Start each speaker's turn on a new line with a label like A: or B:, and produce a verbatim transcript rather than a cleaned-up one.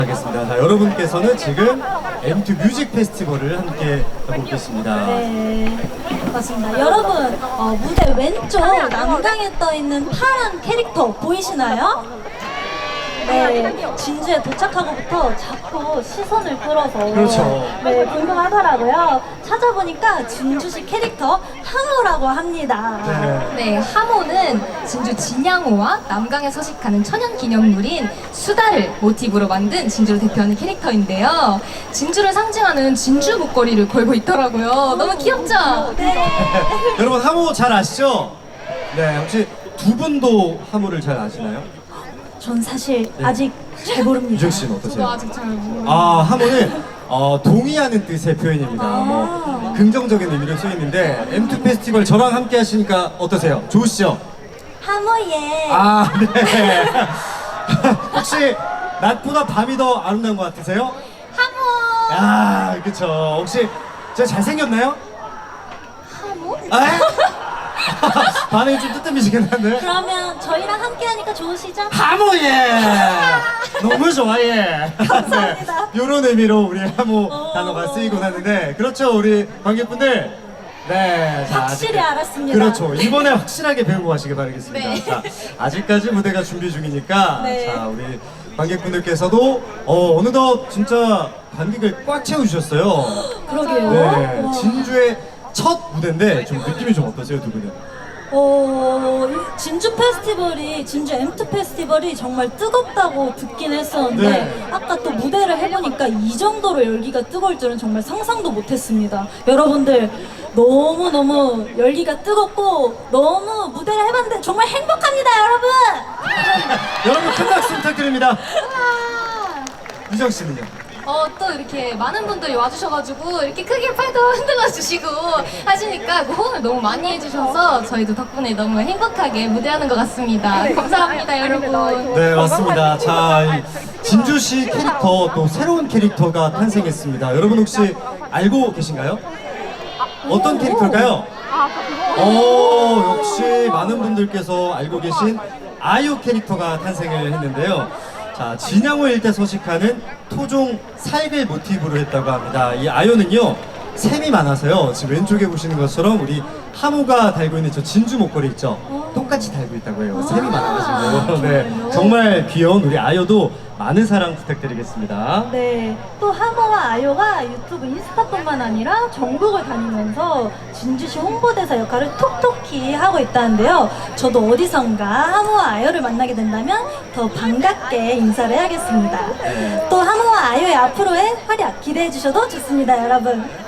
A: 하겠습니다. 자, 여러분께서는 지금 엠투 뮤직 페스티벌을 함께 하고 계십니다.
B: 네, 맞습니다. 여러분, 어, 무대 왼쪽 남강에 떠 있는 파란 캐릭터 보이시나요? 네, 진주에 도착하고부터 자꾸 시선을 끌어서
A: 그렇죠.
B: 네, 궁금하더라고요. 찾아보니까 진주시 캐릭터 하모라고 합니다.
A: 네.
C: 네, 하모는 진주 진양호와 남강에 서식하는 천연 기념물인 수다를 모티브로 만든 진주를 대표하는 캐릭터인데요. 진주를 상징하는 진주 목걸이를 걸고 있더라고요. 너무 귀엽죠?
B: 네.
A: 여러분 하모 잘 아시죠? 네, 혹시 두 분도 하모를 잘 아시나요?
B: 전 사실 아직 잘 모릅니다.
A: 유정 씨는
C: 저도
A: 어떠세요?
C: 아직 잘 모르겠어요.
A: 아, 하모는 어, 동의하는 뜻의 표현입니다. 뭐 긍정적인 의미로 쓰이는데 엠투 페스티벌 저랑 함께 하시니까 어떠세요? 좋으시죠?
B: 하모예.
A: 아, 네. 혹시 낮보다 밤이 더 아름다운 것 같으세요?
C: 하모!
A: 아, 그쵸. 혹시 제가 잘생겼나요?
C: 하모?
A: 아? 반응이 좀 뜨뜻미시긴 한데.
B: 그러면 저희랑 함께 하니까 좋으시죠?
A: 하모예! 너무 좋아해.
B: 감사합니다.
A: 네, 이런 의미로 우리 하모
B: 오.
A: 단어가 쓰이곤 하는데, 그렇죠, 우리 관객분들. 네, 자,
B: 확실히
A: 아직-
B: 알았습니다.
A: 그렇죠. 이번에 확실하게 배우고 가시길 바라겠습니다.
C: 네.
A: 자, 아직까지 무대가 준비 중이니까,
B: 네.
A: 자, 우리 관객분들께서도 어, 어느덧 진짜 관객을 꽉 채워주셨어요.
B: 그러게요.
A: 네,
B: 와.
A: 진주의 첫 무대인데 좀 느낌이 좀 어떠세요, 두 분은?
B: 어, 이 진주 페스티벌이, 진주 엠투 페스티벌이 정말 뜨겁다고 듣긴 했었는데
A: 네.
B: 아까 또 무대를 해보니까 이 정도로 열기가 뜨거울 줄은 정말 상상도 못했습니다. 여러분들 너무너무 열기가 뜨겁고 너무 무대를 해봤는데 정말 행복합니다, 여러분!
A: 여러분 큰 박수 부탁드립니다. 유정 씨는요?
C: 어, 또 이렇게 많은 분들이 와주셔가지고 이렇게 크게 팔도 흔들어 주시고 하시니까 그 호응을 너무 많이 해주셔서 저희도 덕분에 너무 행복하게 무대하는 것 같습니다. 감사합니다, 여러분.
A: 네, 맞습니다. 자, 이 진주시 캐릭터 또 새로운 캐릭터가 탄생했습니다. 여러분 혹시 알고 계신가요? 어떤 캐릭터일까요? 오, 역시 많은 분들께서 알고 계신 아유 캐릭터가 탄생을 했는데요. 자, 진양호 일대 서식하는 토종 살글 모티브로 했다고 합니다. 이 아요는요, 샘이 많아서요. 지금 왼쪽에 보시는 것처럼 우리 하모가 달고 있는 저 진주 목걸이 있죠? 똑같이 달고 있다고 해요. 샘이 많아가지고. 네, 정말 귀여운 우리 아요도 많은 사랑 부탁드리겠습니다.
B: 네, 또 하모와 아요가 유튜브 인스타뿐만 아니라 전국을 다니면서 진주시 홍보대사 역할을 톡톡히 하고 있다는데요. 저도 어디선가 하모와 아요를 만나게 된다면 더 반갑게 인사를 해야겠습니다. 또 하모와 아요의 앞으로의 활약 기대해 주셔도 좋습니다, 여러분.